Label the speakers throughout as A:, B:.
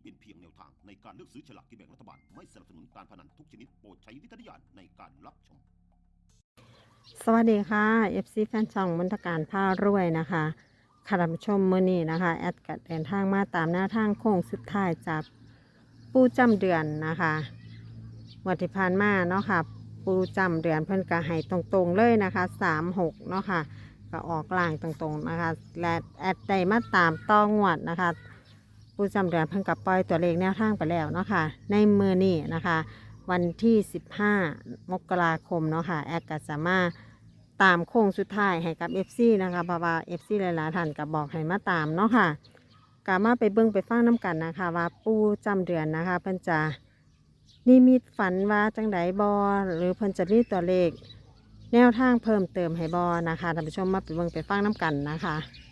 A: เป็นเพียงแนวทางในการเลือกซื้อฉลากกินแบ่งรัฐบาลไม่สนับสนุนการพนันทุกชนิดโปรดใช้วิจารณญาณในการรับชม
B: สวัสดีค่ะ FC แฟนช่องมนตการผ้ารวยนะคะค่ะท่านผู้ชมมื้อนี้นะคะแอดกัดเดินทางมาตามหน้าทางโค้งสุดท้ายจากปูจำเดือนนะคะวันที่ผ่านมาเนาะค่ะปูจำเดือนเพิ่นก็ให้ตรงๆเลยนะคะ36เนาะค่ะก็ออกล่างตรงๆนะคะและแอดได้มาตามต้องวดนะคะปูจำเดือนเพิ่นกับปล่อยตัวเลขแนวทางไปแล้วเนาะค่ะในมื้อนี้นะคะวันที่15 มกราคมเนาะค่ะแอดก็จะมาตามโค้งสุดท้ายให้กับ FC นะคะเพราะว่า FC หลายๆท่านก็บอกให้มาตามเนาะค่ะกามาไปเบิ่งไปฟังน้ำกันนะคะว่าปูจำเดือนนะคะเพิ่นจะนิมิตฝันว่าจังไดบอหรือเพิ่นจะมีตัวเลขแนวทางเพิ่มเติมให้บอนะคะท่านผู้ชมมาไปเบิ่งไปฟังน้ำกันนะคะ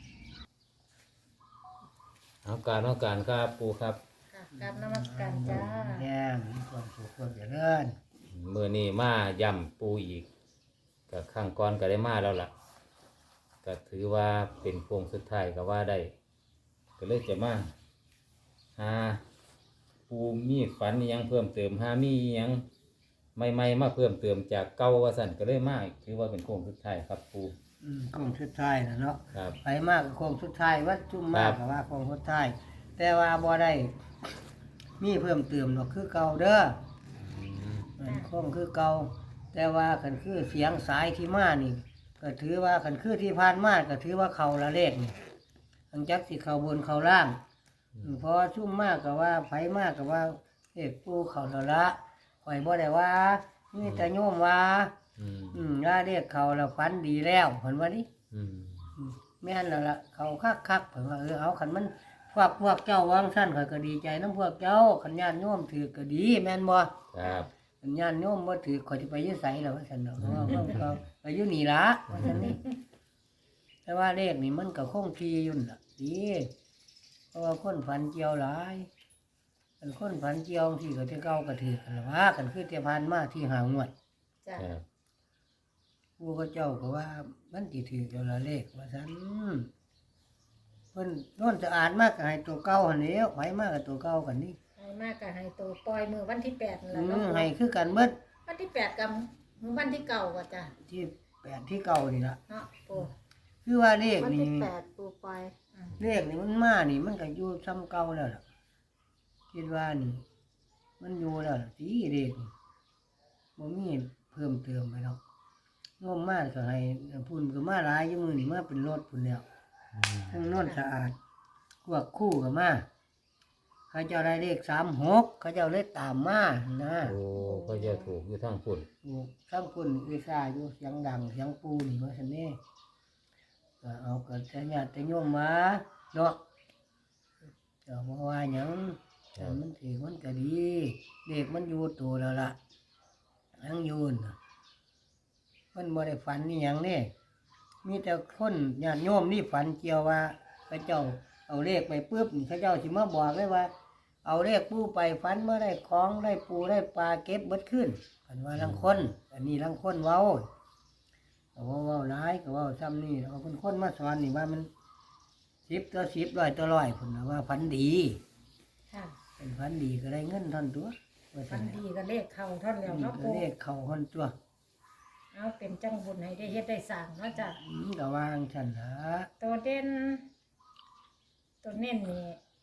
C: เอาการครับปูครับ
D: ค่ะกราบนมัสการจ้า
E: แย่งมีความสุขความเจริญ
C: มื่อนี้มาย่ำปูอีกกับข้างก้อนก็ได้มาแล้วล่ะก็ถือว่าเป็นโค้งสุดท้ายก็ว่าได้ก็เลยจะมาหาปูมีฝันอิหยังเพิ่มเติมหามีอิหยังใหม่ๆมาเพิ่มเติมจากเก่าว่าสั่นก็เลยมาถือว่าเป็นโค้งสุดท้ายครับปู
E: โค้งสุดท้ายนะเนาะ
C: ครับ
E: ไปมากกับโค้งสุดท้ายวัดจุ่มมาก
C: ครับ
E: กับว่าโค้งสุดท้ายแต่ว่าบ่ได้มีเพิ่มเติมหรอกคือเก่าเด้อโค้งคือเก่าแต่ว่าคันคือเสียงสายที่มานี่ก็ถือว่าคันคือที่ผ่านมาก็ถือว่าเขาละเลขนี่อังจักสิเขาบนเขาล่างเพอชุ่มมากกับว่าไผมากกับว่าเอกปูเขาละข่อยบ่ได้ว่ามีแต่โยมว่า ว่าเรียกเขาเราฝันดีแล้วเห็นว่านี่
C: อืม
E: แม่นแล้วล่ะเขาคักเพิ่นว่าเอาขันมันพวกเจ้าวางสั้นข่อยก็ดีใจน้ำพวกเจ้าขันญาติโยมถือก็ดีแม่นบ่
C: ครับ
E: ขันญาติโยมบ่ถือข่อยสิไปอยู่ไสแล้วว่าซั่นเนาะเพราะว่าเขาไปอยู่นี่ล่ะว่าซั่นนี่แต่ว่าเลขนี่มันก็คงที่อยู่น่ะดีเพราะว่าคนฝันเกี่ยวหลายคันคนฝันเกี่ยวที่ก็จะเก่าก็ถือกันละว่ากันคือแต่ผ่านมาที่หางวด
D: จ้า
C: ครับ
E: ผู้เขาเจ้าก็ว่ามันสิถือตัวละเลขว่าซั่นเพิ่นโน่นจะอ่านมากก็ให้ตัวเก่าหั่นแหล้วไผมากกับตัวเก่ากันนี่
D: ให้มากกับให้ตัวปล่อยมือวันที่8นั่นแหละเนาะ
E: ให้คือกันเบิด
D: วันที่8กับมือวันที่เก่าก็จ้า
E: ที่8ที่เก่านี่ล่ะ
D: เนาะปู
E: คือว่าเลข
B: วัน
E: นี่
B: ที่8ปูปล่อย
E: เลขนี่มันมานี่มันก็อยู่ซ้ำเก่าแล้วล่ะคิดว่านี่ มันอยู่แล้วล่ะสิเลขนี่บ่มีเพิ่มเติมไปหรอกงมมากก็ให้พุ่นก็มาหลายอยู่มื้อนี่มาเป็นรถพุ่นแล้ว ทั้งโนนสะอาดพวกคู่กับมาเขาเจ้าได้เลข36เขาเจ้าเลยตามมานะ
C: โอ้ก็จะถูกอยู่ทั้งพุ่น
E: ถูกทั้งคุณวิชาอยู่เสียงดังเสียงปูนี่ว่าซั่นนี่ก็เอาก็จะญาติโยมมาเนาะเจ้าบ่ว่าหยังแต่มันถือมันก็ดีเลขมันอยู่ตัวแล้วล่ะทั้งอยูนน่ะมันบ่ได้ฝันนี่หยังนี่มีแต่คนญาติโยมนี่ฝันเกี่ยวว่าเขาเจ้าเอาเลขไปปุ๊บนี่เขาเจ้าสิมาบอกเลยว่า เอาเลขปูไปฝันเมื่อได้ของได้ปูได้ปลาเก็บเบิดขึ้นกันว่าลังคนอันนี้ลังคนเว้าก็เว้าร้ายก็เว้าซ้ำนี่เอาเป็นคนมาสอนนี่ว่ามัน10 ต่อ 10 100 ต่อ 100พุ่นน่ะว่าฝันดี
D: ค่ะ
E: เป็นฝันดีก็ได้เงินเท่านตัวว่า
D: วั
E: ซั่
D: น
E: นแหละ
D: ดีก็เลขเข้าเท่าแล้ว
E: นี่
D: เนาะ
E: ก็
D: ปู
E: เลขเข้าคนตัว
D: เอาเป็นจังบุญให้ได้เฮ็ดได้สร้างเนาะจ้า
E: ก็วางฉันล่ะ
D: ตัวเด่นตัวเน้นนี่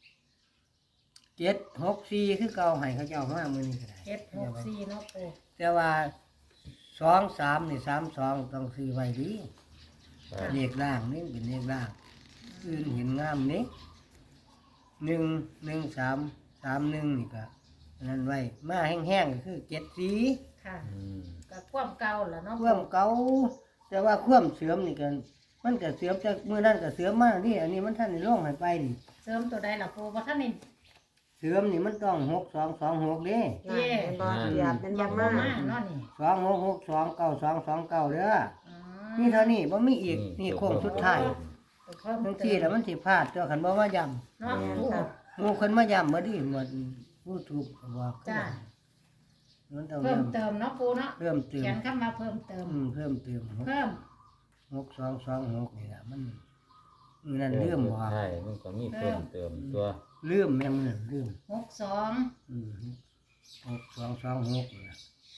E: 764คือเก่าให้เขาเจ้ามามื้อนี้ก็ได้
D: 764เนาะปู
E: แต่ว่า2 3นี่32ต้องซื้อไว้ดี
C: ครับ
E: เลขล่างนี่เป็นเลขล่างอื่นเห็นงามนี่1 1 3 3 1นี่ก็อันนั้นไว้มาแห้งๆก็คือ7
D: ค่ะ
C: อืม
D: ก็ความเก่าล่ะเนาะ
E: 4ความเก่าแต่ว่าความเสื่อมนี่ก็มันก็เสื่อมจากมื้อนั้นก็เสื่อมมานี่อันนี้มันท่านได้ลงให้ไปนี่
D: เสริมตัวใดล่ะปูบ่ทันนี่
E: เสื่อมนี่มันต้อง6226เด้
D: เย่
B: เป็นบอเหยียบเป็น
D: ยั
B: บาง
D: บ่
B: มา
D: มาเนาะนี่
E: 26629229เด้อ
D: อื
E: นี่เท่านี้บ่มีอีกนี่โค้งสุดท้าย
D: ตัวเพิ่ม
E: บาง
D: เติ
E: ทีแล้วมันสิพลาดตัวคันบ่มาย้ำ
D: เนาะปู
E: หมู่คนมาย้ำบ่ดีหมดผู้ถูกก็บอก
D: จ้า
E: มันต้อง
D: เพิ่ม
E: ย้ำ
D: เติมเนาะปูเนาะ
E: เพิ่มเติม
D: เขียนคำมาเพิ่มเติม
E: เพิ่มเติม
D: เพิ่ม
E: 6226นี่ล่ะมันนั่นลืมบ่
C: ใช่มันก็มีเพิ่มเติมตัว
E: ลืมแม่งนั่นลืม
D: 62
E: อืม6226นะ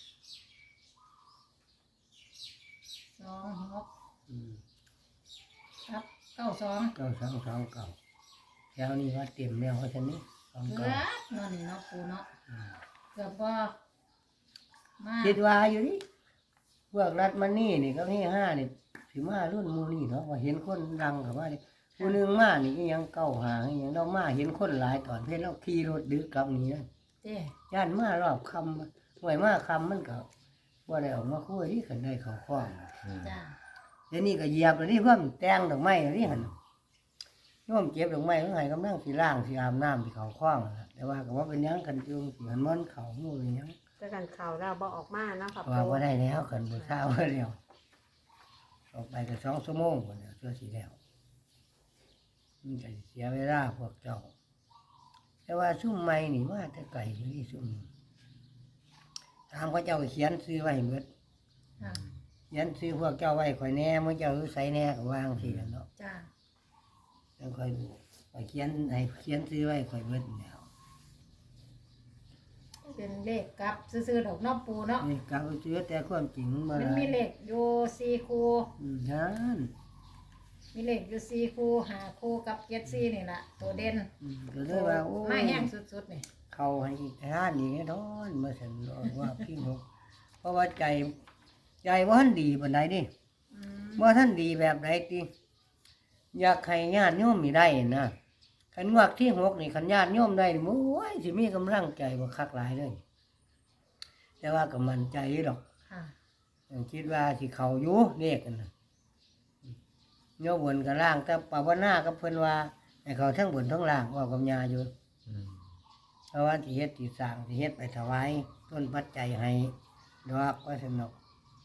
D: 26
E: อืม
D: ครับ92
E: 9229แถวนี้ว่าเต็มแล้วเพราะฉะนี้
D: เกือบนอนนี่เนาะปูเนาะเกือบบ่มา
E: คิดว่าอยู่นี่พวกรัฐมันนี่นี่ก็ที่5นี่สิมารุ่นหมู่นี่เนาะว่าเห็นคนดังกับว่านี่ผู้หนึงมานี่ก็ยังเก้าหางยังเรามาเห็นคนหลายตอนเพชรเราขี่รถดึกกลับนี่นะ
D: เด้
E: ย่านมารอบคำห่วยมาคำมันก็ว่าได้ออกมาคุยที่ขันได้เขาคล้อง
D: จ้า
E: เดี๋ยวนี้ก็เหยียบแล้วนี่เพิ่มแตงดอกไม้นี่หันร่วมเก็บดอกไม้เมื่อไหร่กำลังสีล่างสีอาบน้ำสีเขาคล้องนั่นล่ะแต่ว่าก็ว่าเป็นหยังกันจุงสีหันมันเขาหมู่เป็นหยัง
B: จะกันข่าวเราบ่ออกมาเนาะค่ะ
E: ว่า
B: ปู
E: ว่าได้แล้วขันบุษาว่าแล้วออกไปก็2 ชั่วโมงคนเดียวเชื่อสีแล้วมันก็เสียเวลาพวกเจ้า แต่ว่าซุ่มไม้นี่มาแต่ไก่อยู่นี่ซุ่มถามเขาเจ้าเขียนซื้อไว้เบิด
D: ค่ะ
E: เขียนซื้อพวกเจ้าไว้ข่อยแหน่มึงเจ้าอยู่ไสแหน่ก็วางสิล่ะเนาะ
D: จ้า
E: แล้วข่อยดูข่อยเขียนให้เขียนซื้อไว้ข่อยเบิดแล้ว
D: เป็นเลขกลับซื่อๆดอกเนาะปูเนาะ
E: นี่กลับซื้อแต่ความจริงบ่
D: มัน
E: ได้
D: มีเลขอยู่4คู่
E: นั่น
D: มีเลขอยู่4คู่5คู่กับ74นี่ล่ะตัวเด่น
E: ก็เลยว่าโอ้
D: มาแห้งสุดๆนี่
E: เข้าให้อีกทานอีกแน่นอนมาสั่นว่าพี่นกเพราะว่าใจบ่ทันดีปานใดนี่
D: อืม
E: บ่ทันดีแบบใดติอยากให้ญาติโยมนี่ได้นะคันงวดที่6นี่คันญาติโยมได้นี่โอ้ยสิมีกำลังใจบ่คักหลายเลย แต่ว่าก็มั่นใจอยู่ดอก
D: ค่ะ
E: คิดว่าสิเข้าอยู่เลขนั่นน่ะโยมบนกับล่างแต่ภาวนากับเพิ่นว่าให้เขาทั้งบนทั้งล่างว่ากับญาอยู่
C: อืม
E: เพราะว่าสิเฮ็ดสิสร้างสิเฮ็ดไปถวายต้นปัจจัยให้ดอกว่าสนุก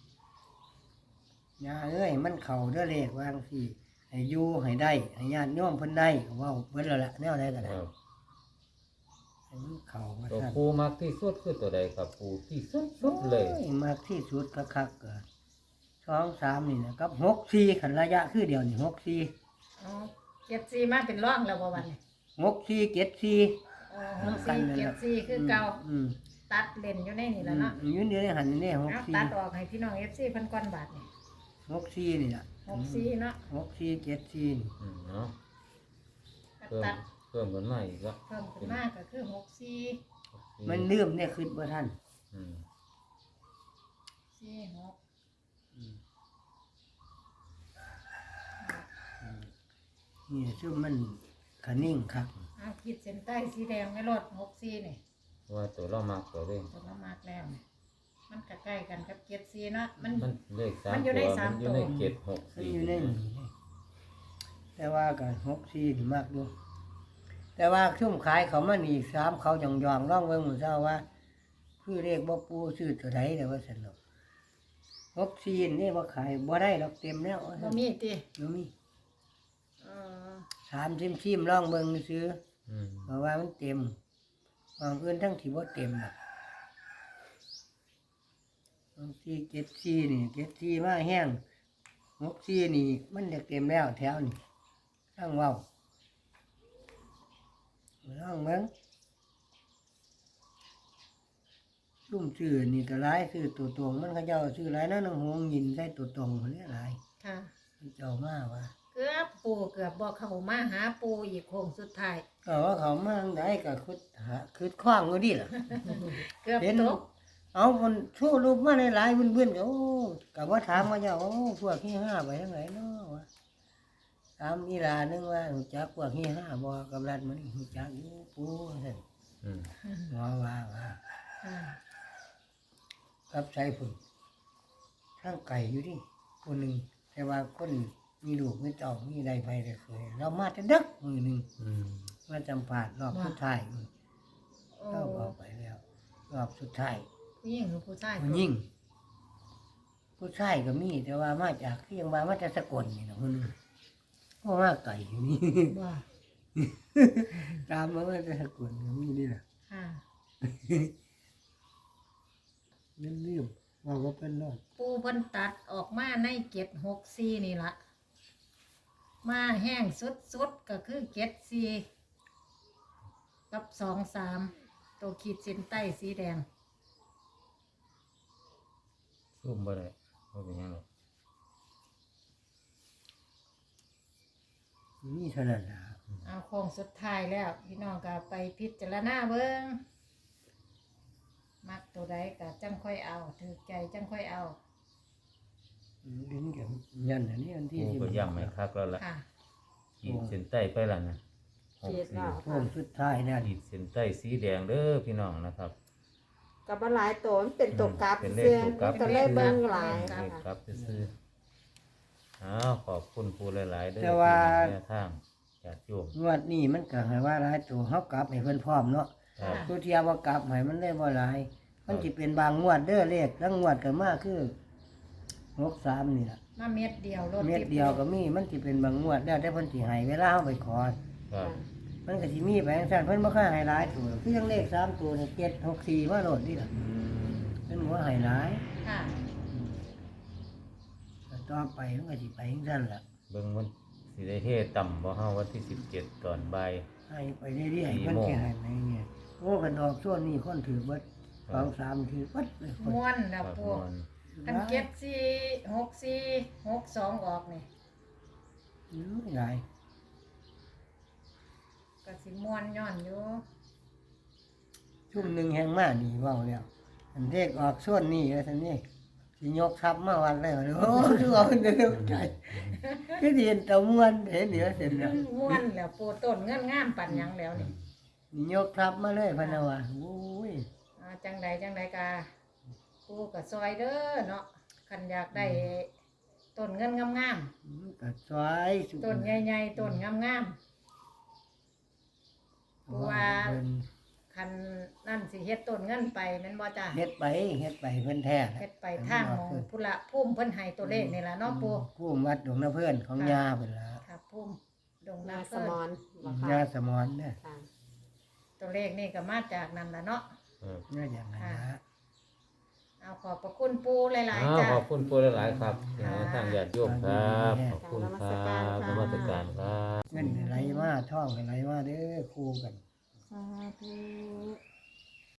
E: ญาเอ้ยมันเข้าเด้อเลขว่าจังซี่ให้อยู่ให้ได้ให้ญาติโยมเพิ่นได้ก็เว้าเบิดแล้วล่ะแนวใดก็ได้
C: ครับ
E: ให้มันเข้าว่า
C: ตัว
E: ซั่น
C: ปูมักที่สุดคือตัวใดครับปูที่สุดเลย
E: โอ้มากที่สุดคักๆก็2 3นี่นะกับ6 4คันระยะคือเดียวนี่6 4
D: อ๋อ74มาเป็นร่องแล้วบ่วันนี้
E: 6 4 7 4
D: อ๋อ64คือเก่า
E: อืม
D: ตัดเล่นอยู่ในนี่แล้วเนาะ
E: ยืนเดียวในหันนี่
D: เอา
E: 6
D: ตัดออกให้พี่น้อง FC เพิ่นก่อนบาทนี่
E: 4 6 4นี่ล่ะ
D: 64เนาะ
E: 6 4 7 4นี่
C: เนาะ
D: ก็
C: เพิ่ม
D: ตัด
C: เพิ่มกันมาอีกแล้ว
D: เพิ่มขึ้นมาก็คือ64
E: มันลืมเนี่ยคิดบ่ทัน
C: อืม
D: 46
E: นี่ซึ่งมันขนิ่งครับ
D: เอาขีดเส้นใต้สีแดงไม่ลด64นี่
C: ว่าตัวเรามักตัวเร่ง
D: ตัวละมากแล้วนี่มันก็ใกล้กันกับ74เนาะมัน
C: มันเลข3
D: มันอยู่ใน
C: ตัว
D: สาม
C: มันอยู่ใน
D: ตัว
C: เจ็ดหก
E: มัน
C: สี่
E: อยู่ในนี่แต่ว่าก็6 4นี่มากอยู่แต่ว่าชุ่มขายเขามันอีก3เขาย่องๆร้องเบิ่งมื้อเช้าว่าคือเลขบ่ปูซื้อตัวใดแต่ว่าซั่นดอก6 4นี่บ่ขายบ่ได้ดอกเต็มแล้วว่า
D: บ่
E: ซั่น
D: มีติ
E: บ่มี
D: เออ
E: 3ชิมๆร้องเบิ่งซื้อ
C: อืม
E: เพราะว่ามันเต็มบางอื่นทั้งที่บ่เต็มน่ะบางที่74นี่74มาแห้ง64นี่มันจะเต็มแล้วแถวนี่ทั้งเว้าลองเบิ่งซุ่มชื่อนี่ก็หลายชื่อตัวตรงมันเขาเจ้าชื่อหลายนะน้องหงยินใส่ตัวตรงคนนี้หลาย
D: ค่ะ
E: เขาเจ้ามาว่า
D: เกือบปูเกือบบ่เข้ามาหาปูอีกโค้งสุดท้าย
E: ก็ว่าเขามาทางใดก็คือคว้างอยู่ดิล่ะ
D: เกือบ
E: เห็น
D: ตก
E: เอาคนชู้รูปมาหลายๆเบื่อนๆก็โอ้ก็ว่าถามว่าเจ้าโอ้พวกที่5ไปทางไหนเนาะวะถามอีหลานึงว่ารู้จักพวกที่5บ่กับรัฐมันรู้จักอยู่ปู่ซั่น
C: อืม
E: ว่า
D: อ่า
E: กับใส่พุ่นทางไก่อยู่ดิคนหนึงแต่ว่าคนมีลูกมีเต้ามีใดไปได้เคยเรามาแต่ดึกมื้อหนึง
C: อืม
E: มาจำพาดรอบสุดท้าย
D: โอ้
E: เราบอกไปแล้ว รอบสุดท้าย
D: ผู้หญิงหรือผู้ชาย
E: ผู้หญิงผู้ชายก็มีแต่ว่ามาจากที่ยังว่ามาจากสกลนี่นะคนนึงเพราะว่าไก่อยู่นี่
D: บ่
E: ตามมาว่าจากสกลก็มีนี่นะ
D: ค่ะ
E: นั่นเรื่องว่าก็เป็นรอด
D: ปูเพิ่นตัดออกมาใน764นี่ล่ะมาแห้งสุดๆก็คือ74กับ23ตัวขีดเส้นใต้สีแดง
C: ซุ่มบ่ได้บ่เป็นหยังหรอก
E: นี่เท่านั้นล่ะ
D: เอาโค้งสุดท้ายแล้ว พี่น้องก็ไปพิจารณาเบิ่งมักตัวใดก็จังค่อยเอาถือใจจังค่อยเอา
E: ลิ้นกับยันอันนี้อันที่
C: ปูก็ย้ำให้คักแล้วล่ะ
D: ค่ะ
C: ขีดเส้นใต้ไปแล้วนะ
B: ขีดแล้ว
E: โค้งสุดท้ายเนี่ย
C: ขีดเส้นใต้สีแดงเด้อพี่น้องนะครับ
B: กับหลายตัวมันเป็นตัวกราฟ
C: เป็นเลข
B: เสื้อ
C: ตัวกราฟ
B: ก็เลยเบิ่งหลาย
C: เล
B: นะ
C: ข
B: คะ
C: ครับซื้อๆอ้าวขอบคุณปูหลายๆเด้อ
E: แต่ว่า
C: แนวทางญาติโยม
E: งวดนี้มันก็ให้ว่าหลายตัวเฮากลับให้เพิ่นพร้อมเนาะ
C: ครับ
E: ตัวเทียว่ากลับให้มันได้บ่หลาย มันสิเป็นบางงวดเด้อเลขทั้งงวดก็มาคือ63นี่ล่ะ
D: มาเม็ดเดียวรถ
E: เม็ดเดียวก็มีมันสิเป็นบางงวดแล้วแต่เพิ่นสิให้เวลาเฮาไปขอ
C: ครับ
E: มันก็สิมีไปจังซั่นเพิ่นบ่ค่อยให้หลายตัวคือจังเลข3ตัวนี่7 6 4มาโลดนี่ล่ะ
C: อืม
E: เพิ่นบ่ให้หลาย
D: ค่ะ
E: แต่ต่อไปมันก็สิไปจังซั่นล่ะ
C: เบิ่งมันสิได้เฮ็ดต่ำบ่เฮาวันที่17ตอนบ่าย
E: ให้ไปเรื่อยๆ
C: 4
E: เพิ่น
C: โมง
E: สิให้ไปเนี่ยโอ้กันดอกช่วงนี้คนถือเบิด2 3ถือเบิดเลยคน
D: ม้วนแล้
C: คว รับ
D: ปู
C: มัน
D: อัน746462ออกนี่
E: หลาย
D: ก็สิม้วนย้อนอยู่
E: ชุ่มหนึงแห่งมานี่เว้าแล้วอันเลขออกช่วงนี้ว่าซั่นนี่สิยกทัพมาวันแล้วโอ้คือเอาเด้อใจคือสิเห็นตะม่วนเห็นเดี๋ยวเสร็จแล้ว
D: ม้วนแล้วปูต้นเงินงามปันหยังแล้วนี่
E: นี่ยกทัพมาเลยพะนะว่าโอ้ย
D: จังใดกาปูก็ซอยเด้อเนาะคันอยากได้ต้นเงินงาม
E: ก็สวยสุด
D: ๆต้นใหญ่ๆต้นงามๆปูว่าคันนั่นสิเฮ็ดต้นเงินไปแม่นบ่จ้า
E: เฮ็ดไปเพิ่นแท้
D: เฮ็ดไปทางของพุละภูมิเพิ่นให้ตัวเลขนี่ล่ะเนาะปู
E: ผู้วัดดงน้ำเพิ่นของยาเพิ่นล่ะ
D: ครับภูมิดง
B: นา
D: นา
B: ส
D: เพิ่น
B: มอนบ่
E: ยา
B: ค่ะ
E: สมอนเนี่ย
B: ค่ะ
D: ตัวเลขนี่ก็มาจากนั่นล่ะเนาะ
C: ครับ
E: นี่อย่างนั้นนะ
D: เอาขอบพระคุณปูหลาย
C: อ้า
D: ๆ
C: ว
D: จ้า
C: ขอบคุณปูหลายๆครับพี่น้องทางญาติโยมครับขอบคุณครับนมัสการครับ
E: เงินไหลมาท่องไหลมาเด้อคู่กัน
B: สาธุ